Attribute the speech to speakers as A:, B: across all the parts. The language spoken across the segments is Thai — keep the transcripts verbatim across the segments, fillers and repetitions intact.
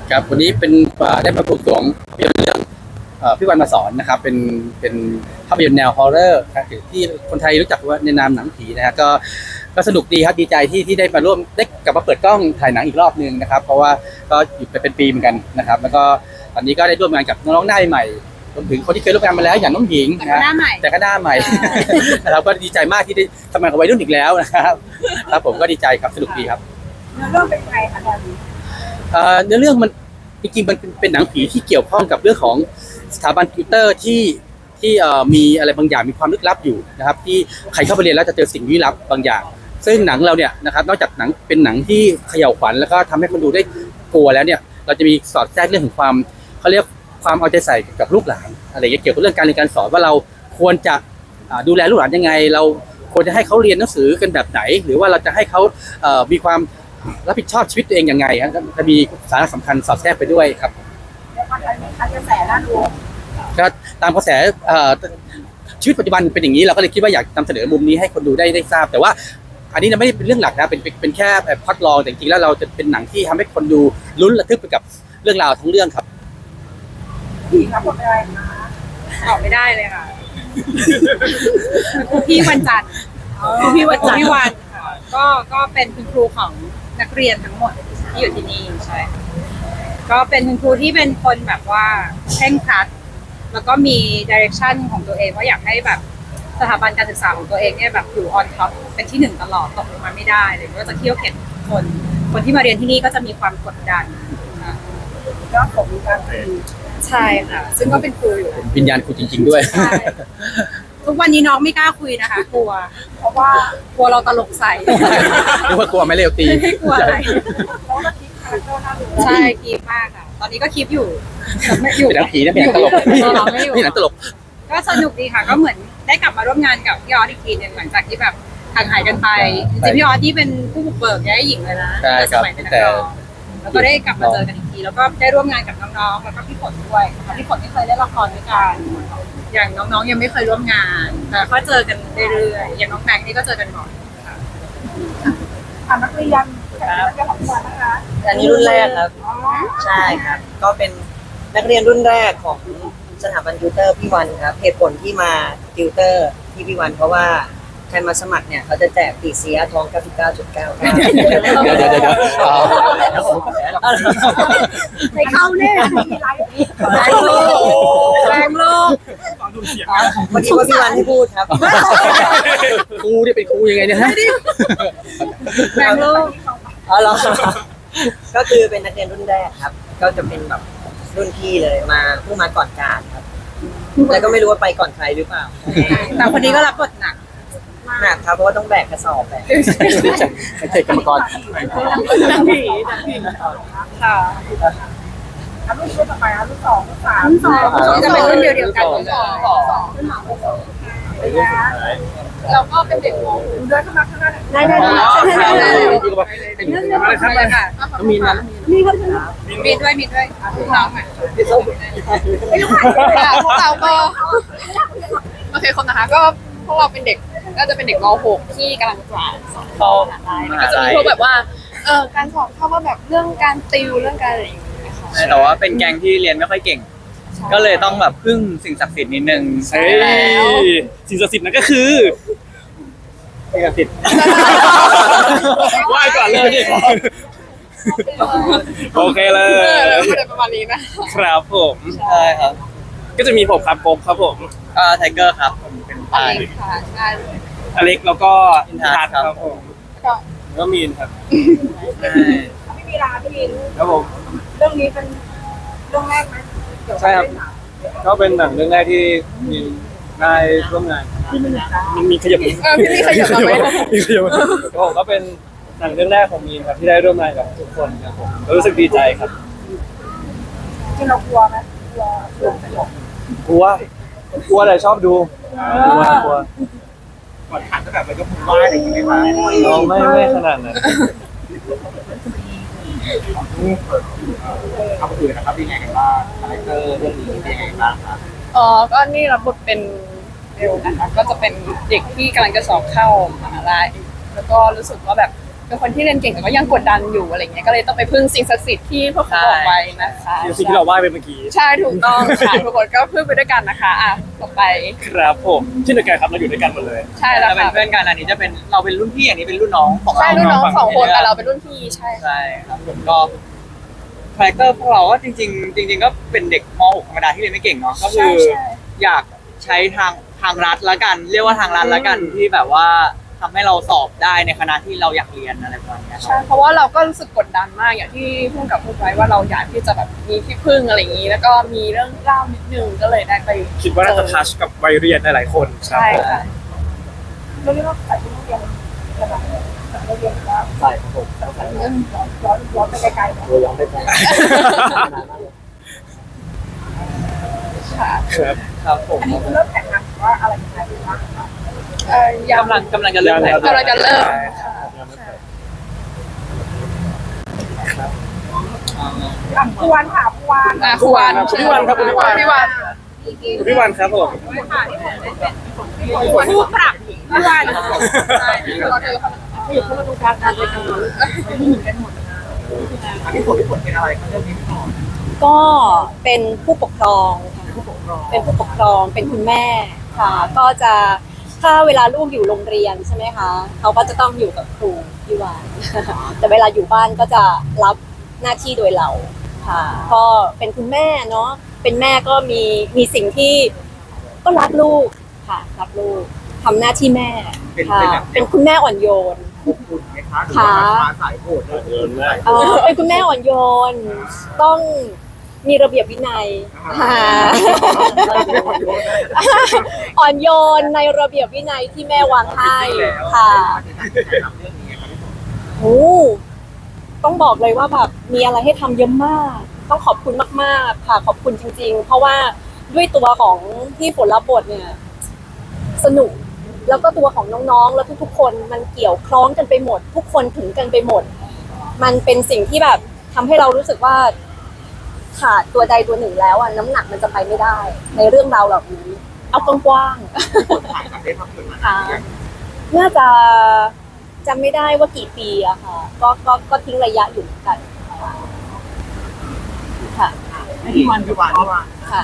A: ครับวันนี้เป็นได้มาปลูกสวงภาพยนตร์เรื่องพี่วันมาสอนนะครับเป็นเป็นภาพยนตร์แนวฮอร์เรอร์ครับที่คนไทยรู้จักว่าในนามหนังผีนะฮะก็ก็สนุกดีครับดีใจที่ที่ได้มาร่วมได้กลับมาเปิดกล้องถ่ายหนังอีกรอบนึงนะครับเพราะว่าก็อยู่ไปเป็นปีเหมือนกันนะครับแล้วก็ตอนนี้ก็ได้ร่วมงานกับน้องๆหน้าใหม่รวมถึงคนที่เคยร่วมงานมาแล้วอย่างน้องหญิงนะแต่ก็หน้าใหม่นะครับก็ดีใจมากที่ได้ทำงานกับวัยรุ่นอีกแล้วนะครับครับผมก็ดีใจครับสนุกดีครับ
B: เนื้อเรื่องเป็นไงคะตอนนี้
A: เนื้อเรื่องมันจริงๆมันเป็นหนังผีที่เกี่ยวข้องกับเรื่องของสถาบันติวเตอร์ที่ที่มีอะไรบางอย่างมีความลึกลับอยู่นะครับที่ใครเข้าไปเรียนแล้วจะเจอสิ่งลี้ลับบางอย่างซึ่งหนังเราเนี่ยนะครับนอกจากหนังเป็นหนังที่เขย่าขวัญแล้วก็ทำให้คนดูได้กลัวแล้วเนี่ยเราจะมีสอดแทรกเรื่องของความเขาเรียกความเอาใจใส่กับลูกหลานอะไรเกี่ยวกับเรื่องการเรียนการสอนว่าเราควรจะดูแลลูกหลานยังไงเราควรจะให้เขาเรียนหนังสือกันแบบไหนหรือว่าเราจะให้เขามีความรับผิดชอบชีวิตตัวเองยังไงครับจะมีสาระสำคัญสอดแทรกไปด้วยครับ
B: กระแสน่าดู
A: ก็ตามกระแสชีวิตปัจจุบันเป็นอย่างนี้เราก็เลยคิดว่าอยากนำเสนอมุมนี้ให้คนดูได้ได้ทราบแต่ว่าอันนี้ไม่ได้เป็นเรื่องหลักนะเป็นเป็นแค่พล็อตรองแต่จริงๆแล้วเราจะเป็นหนังที่ทำให้คนดูลุ้นระทึกไปกับเรื่องราวทั้งเรื่องครับ
B: พี่ครับผมอะไรนะ
C: ตอบไม่ได้เลยค่ะครูพี่วันจันทร์ครูพี่วันจันทร์พี่วันค่ะก็ก็เป็นคุณครูของนักเรียนทั้งหมดที่อยู่ที่นี่ใช่ก็เป็นคุณครูที่เป็นคนแบบว่าเคร่งครัดแล้วก็มีดิเรกชันของตัวเองว่าอยากให้แบบสถาบันการศึกษาของตัวเองเนี่ยแบบอยู่ออนท็อปเป็นที่หนึ่งตลอดตกลงมาไม่ได้เลยก็จะเที่ยวเข็นคนคนที่มาเรียนที่นี่ก็จะมีความกดดัน
B: ก็ผมมีการคุย
C: ใช่ค่ะซึ่งก็เป็นครูอยู่
A: วิญญาณครูจริงๆด้วย
C: ทุกวันนี้น้องไม่กล้าคุยนะคะกลัว
B: เพราะว่
C: ากลัวเราตลกใส่
A: หรือว่ากลัวไม่เร็วตี
C: ไม่กลัวอะไรใช่คีบมากค่ะตอนนี้ก็คีบอยู่
A: ไม่อยู่เป็นหนังผีนะเป็นหนังตลกไม่หนังตลก
C: ก็สนุกดีค่ะก็เหมือนได้กลับมาร่วมงานกับพี่ออสอีกทีนึงหลังจากที่แบบห่างหายกันไปจริงๆพี่ออสที่เป็นผู้บุกเบิกย้ายหญิงเลยนะสมัยเป็นนักร้องแล้วก็ได้กลับมาเจอกันอีกทีแล้วก็ได้ร่วมงานกับน้องๆแล้วก็พี่ฝนด้วยพี่ฝนไม่เคยเล่นละครด้วยกันอย่างน้องๆยังไม่เคยร่วมงานแต่ก็เจอกันเรื่อยๆอย่างน้องแม็กนี่ก็เจอกันบ่อย
B: ค่ะนักเรียนนักเรียนของวันนะคะ
D: อันนี้รุ่นแรกครับใช่ครับก็เป็นนักเรียนรุ่นแรกของสถาบันติวเตอร์พี่วันครับเหตุผลที่มาติวเตอร์ที่พี่วันเพราะว่าใครมาสมัครเนี่ยเขาจะแจกปีเสียทอง เก้าสิบเก้าจุดเก้า เ
A: ดี๋ยวเดี๋ยวเดี๋ยว
B: ในเข้าแน่มีไลฟ์
C: แรงโลกแรงโลก
D: วันนี้ว่าพี่วันให้พูดครับ
A: ครูเนี่ยเป็นครูยังไงเนี่ยฮะ
C: แรงโลก
D: อ๋อเหรอก็คือเป็นนักเรียนรุ่นแรกครับก็จะเป็นแบบรุ่นพี่เลยมาเพิ่งมาก่อนการครับแล้วก็ไม่รู้ว่าไปก่อนใครหรือเปล่า
C: แต่คนนี้ก็รับบทหนัก
D: หนักครับเพราะว่าต้องแบกกระสอบแบก
A: ไม่ใช่กรรมกร
C: นักผีนักผีค่ะ
B: รุ่นรุ่นต่อไปรุ่นสองรุ่นสาม
C: รุ่นสองจะเป็นรุ่นเดียวเดียวกันรุ่นสอง
B: สองรุ่นสามรุ่นสอง
C: เราก็เป็นเด็กมอง
B: เดินเข้ามาข้างหน้า
C: ได้ได้ได้
A: เป็นอะไรครับอะไรค่ะมีนั้น
C: มีครับมีด้วยมีด้วยน้องอ่ะพวกเราก็โอเคคนนะคะก็พวกเราเป็นเด็กก็จะเป็นเด็กม หกที่กำลังจะสอบเข้ามหาลัยก็จะมีพวกแบบว่าเออการสอบเข้าว่าแบบเรื่องการติวเรื่องการอะไรอย่างเงี้ยค่ะ
E: แต่ว่าเป็นแก๊งที่เรียนไม่ค่อยเก่งก็เลยต้องแบบพึ่งสิ่งศักดิ์สิทธิ์นิดนึง
A: ใช่สิ่งศักดิ์สิทธิ์นั่นก็คือสิ่งศักดิ์สิทธิ์ไหว้ก่อนเลยโอเคเลย
C: ประมาณนี้นะครับ
A: ผมใช่ครับก็จะมีผมครับโป๊กครับผม
E: อ่าไทเกอร์ครับผมเป็น
C: อเล็กค่ะใช่
A: อเล็กแล้วก็
E: อินทัศน์ครับผม
A: ก็มีนครับ
B: ไม่มีลาพี่มิน
A: ครับผม
B: เรื่องนี้เป็นเรื่องแรกไหม
A: ใช่ครับก็เป็นหนังเรื่องแรกที่มีได้ร่วมงานมันมีขยับ
C: เออพี่มีขยับมาไหม
A: มีขยับผมก็เป็นหนังเรื่องแรกของมีนครับที่ได้ร่วมงานกับทุกคนครับผมรู้สึกดีใจครับ
B: ที่เรากลัวไหมกลัว
A: กลัวกลัวแต่ชอบดูกลัวกลัวก่อนขันก็แบบมันก็พุ่งไหวอะไรอย่างเงี้ยครับไม่ไม่ขนาดนั้นครับอื่นนะครับเป็นไงกันบ้างคาแรคเตอร์เรื่องนี้เป็นไงบ้างครับ
C: อ๋อก็นี่รับบทเป็นเบลนะคะก็จะเป็นเด็กที่กำลังจะสอบเข้ามหาลัยแล้วก็รู้สึกว่าแบบเป็นคนที่เรียนเก่งแต่ก็ยังกดดันอยู่อะไรเงี้ยก็เลยต้องไปพึ่งสิ่งศักดิ์สิทธิ์ที่พวกเขาบอกไว้นะคะ
F: สิ่งที่เราไหว้ไปเมื่อกี้
C: ใช่ถูกต้องค่ะทุกคนก็พึ่งไปด้วยกันนะคะอ่ะต่อไป
F: ครับผมเช่นเดียวกันครับเราอยู่ด้วยกันหมดเลย
C: ใช่แล้ว
E: เราเป็น
C: ค่ะ
E: เพื่อนกันอันนี้จะเป็นเราเป็นรุ่นพี่อันนี้เป็นรุ่นน้องของ
C: ใช่
E: เรา
C: รุ่นน้อง
F: ฝั่ง
C: สองคน
E: ในเรื่อง
C: แต่เราเป็นรุ่นพี่ใช่ค่ะ
E: ใช่ครับผมก็คาแรคเตอร์พวกเราก็จริง ๆ จริง ๆ ก็เป็นเด็กม .หก ธรรมดาที่เรียนไม่เก่งเนาะก็คืออยากใช้ทางทางรัฐละกัน เรียกว่าทางรัฐละกันที่แบบว่าทำให้เราสอบได้ในคณะที่เราอยากเรียนอะไรประมาณเนี้ยค
C: ใช่
E: รับ
C: เพราะว่าเราก็รู้สึกกดดันมากอย่างที่พูดกับพูดไว้ว่าเราอยากที่จะแบบมีที่พึ่งอะไรอย่างนี้ แล้วก็มีเรื่องเล่านิดนึงก็เลยได้ไป
F: คิดว่าน่าจะทัชกับวัยเรียนหลายๆคนครับ
C: ใช่ค่ะ
B: เราเรียกว่าใส่ที่โรงเรียนกระดาษใส่โรงเรียนว่า
F: ใช่ครับผม
B: ใส่เรื่องย้อนย้อนไปไกลๆ
F: เราย้อนได้ไหม
C: ค่ะ
F: ครับ
E: ครับผม
B: อันนี้คือเริ่มแข่งขันว่าอะไรยังไงบ้างคะ
C: เอ่อยัง
E: กำลังกำลังจะเริ่มถ่าย
C: กำลังจะเริ่ม
B: อ่ะผู้วานค่ะผู้วาน
C: อ่ะครูวัน
F: พี่วันครับพี่วัน
C: พี่วัน
F: พี่วันครับผม
C: ผู้ปรับพี่วันใช่เราเจอเขา
B: อยู่คนละตรงกลางกันเลยกันไม่เหมือนกันหมด
E: อันนี้ผมที่ผมเป็นอะไรครับเรื่องนี้พี่หมอ
G: ก็เป็นผู้ปกครองค่ะเป็นผู้ปกครองเป็นคุณแม่ค่ะ ก็จะถ้าเวลาลูกอยู่โรงเรียนใช่ไหมคะเขาก็จะต้องอยู่กับครูพี่วาน แต่เวลาอยู่บ้านก็จะรับหน้าที่โดยเราค่ะ ก็เป็นคุณแม่เนาะเป็นแม่ก็มีมีสิ่งที่ก็รักลูกค่ะรักลูกทำหน้าที่แม่ค่ะเป็นคุณแม่อ่อนโยน
E: คุณไหมคะหรือ
G: ค่ะ
E: ว่าสายโหดเลย
F: เดินแรก
G: เอ่อเป็นคุณแม่อ่อนโยน ต้องมีระเบียบวินัยค่ะ อ่อนโยนในระเบียบวินัยที่แม่วางให้ค่ะโอ้ต้องบอกเลยว่าแบบมีอะไรให้ทำเยอะมาก ต้องขอบคุณมากๆค่ะขอบคุณจริงๆ เพราะว่าด้วยตัวของที่ฝนรับบทเนี่ย สนุกแล้วก็ตัวของน้องๆ แล้วทุกๆ คนมันเกี่ยวคล้องกันไปหมด ทุกคนถึงกันไปหมด มันเป็นสิ่งที่แบบทำให้เรารู้สึกว่าขาดตัวใดตัวหนึ่งแล้วอ่ะน้ำหนักมันจะไปไม่ได้ ในเรื่องราวเหล่านี้เอากว้างๆค่ะน่าจะจำไม่ได้ว่ากี่ปีอะค่ะ ก็ก็ก็ทิ้งระยะอยู่เหมือนกันค่ะ
E: พี่วันพี่วันพี่วัน
G: ค่ะ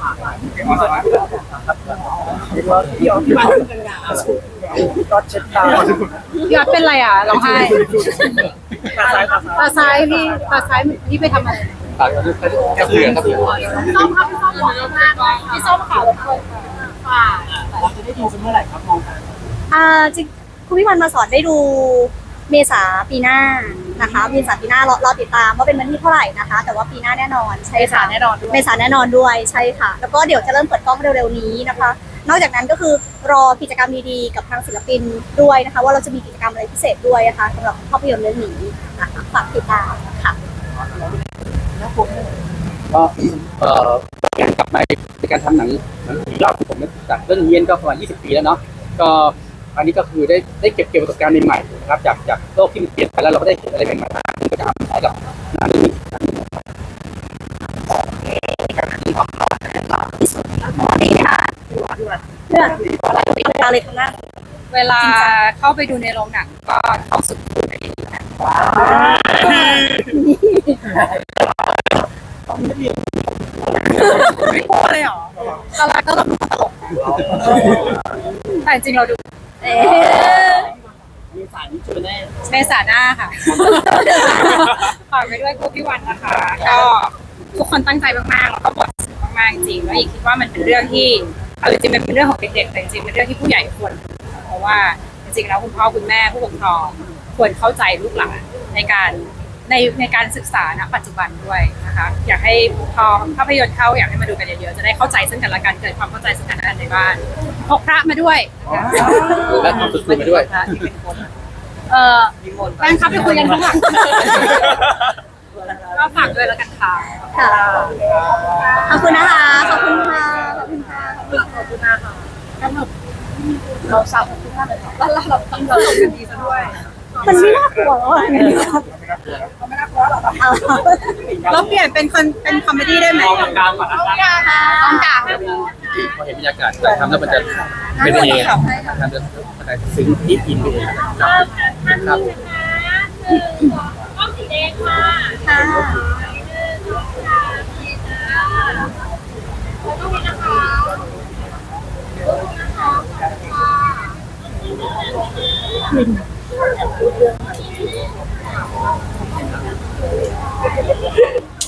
D: ก็เช็ดตา
B: พี่ออดเป็นไรอ่ะร้องไห้
F: ตาซ้ายตาซ้าย
B: ตาซ้ายพี่ตาซ้ายพี่ไปทำอะไร
A: ปากกระเพื่อมครับพี่
B: ส้มค่ะพี่ส้มบอกมากพี่ส้มค่ะรบกวนค่ะ
F: เราจะได้ดูกันเมื่อไหร่ครับมองกัน
H: อ่าจริงคุณพี่วันมาสอนได้ดูเมษาปีหน้านะคะเมษาปีหน้ารอรอติดตามว่าเป็นวันที่เท่าไหร่นะคะ แต่ว่าปีหน้าแน่นอนใช่
C: เมษา
H: ค่ะ
C: แน่นอนด้วย
H: เมษาแน่นอนด้วยใช่ค่ะ แล้วก็เดี๋ยวจะเริ่มเปิดกล้องเร็วๆนี้นะคะ นอกจากนั้นก็คือรอกิจกรรมดีๆกับทางศิลปินด้วยนะคะ ว่าเราจะมีกิจกรรมอะไรพิเศษด้วยนะคะสำหรับภาพยนตร์เรื่องนี้นะคะฝากติดตามค่ะ
A: ก็เอ่อการกลับมาในการทำหนังหนังผีรอบของผมเนี่ยจากเรื่องเยียนก็ประมาณยี่สิบปีแล้วเนาะก็อันนี้ก็คือได้ได้เก็บเกี่ยวประสบการณ์ใหม่ๆนะครับจากจากโลกที่มันเปลี่ยนไปแล้วเราก็ได้เห็นอะไรใหม่ๆที่ก็จะเอามาใช้กับหนังนี้
H: เรื่องอะไรข้างหน้า
C: เวลาเข้าไปดูในโรงหนังก็ต้องสุดคูไปดีนะไม่กลัวเลยเหรอตอนแรกก็แบบตลกแต่จริงเราดู
H: เอ๊ะ
F: มีสายนี้เจอแน่
C: เมษาหน้าค่ะฝากไปด้วยครูพี่วันนะคะ ก็ทุกคนตั้งใจมากๆแล้วก็บทสนุกมากๆจริงแล้วอีกคิดว่ามันเป็นเรื่องที่เอาจริงๆมันเป็นเรื่องของเด็กๆแต่จริงๆเป็นเรื่องที่ผู้ใหญ่ควรรู้เพราะว่าจริงๆแล้วคุณพ่อคุณแม่ผู้ปกครองควรเข้าใจลูกหลานในการในในการศึกษาณปัจจุบันด้วยนะคะอยากให้พอภาพยนตร์เข้าอยากให้มาดูกันเยอะๆจะได้เข้าใจซึ่งกันและกันเกิดความเข้าใจซึ่งกันและกันในบ้านพกพระมาด้วยนะคะ
A: และทำสุดๆไปด้วย
C: เออแฟนคลับไปคุยกันข้างหลังก็ฝากด้วยแล้วกันค่ะ
H: ค่ะขอบคุณนะคะ ขอบคุณค่ะ ขอบคุณค่ะ
C: ขอบคุณมากค่ะเราสาวทุกท่านเลยแล้วเราต้องเรากันดีซะด้วย
H: มันไม่น่ากลัวหรอกไงครับ
C: เราเปลี่ยนเป็นคนเป็นคอมเมดี้ได้ไหม
F: มองกลางก่อนนะครับ
C: ต้องกลาง
A: พอเห็นบรรยากาศการทำแล้วมันจะเป็นเองทำจะมันจะซึ้งที่อินไปเองครับครับ
B: ก้องสีแดงค่ะ
H: ค่ะ
B: หนึ่งสองสามสี่จ้าแล้วก็มีนะคะขอบคุณนะคะขอบคุณค่ะ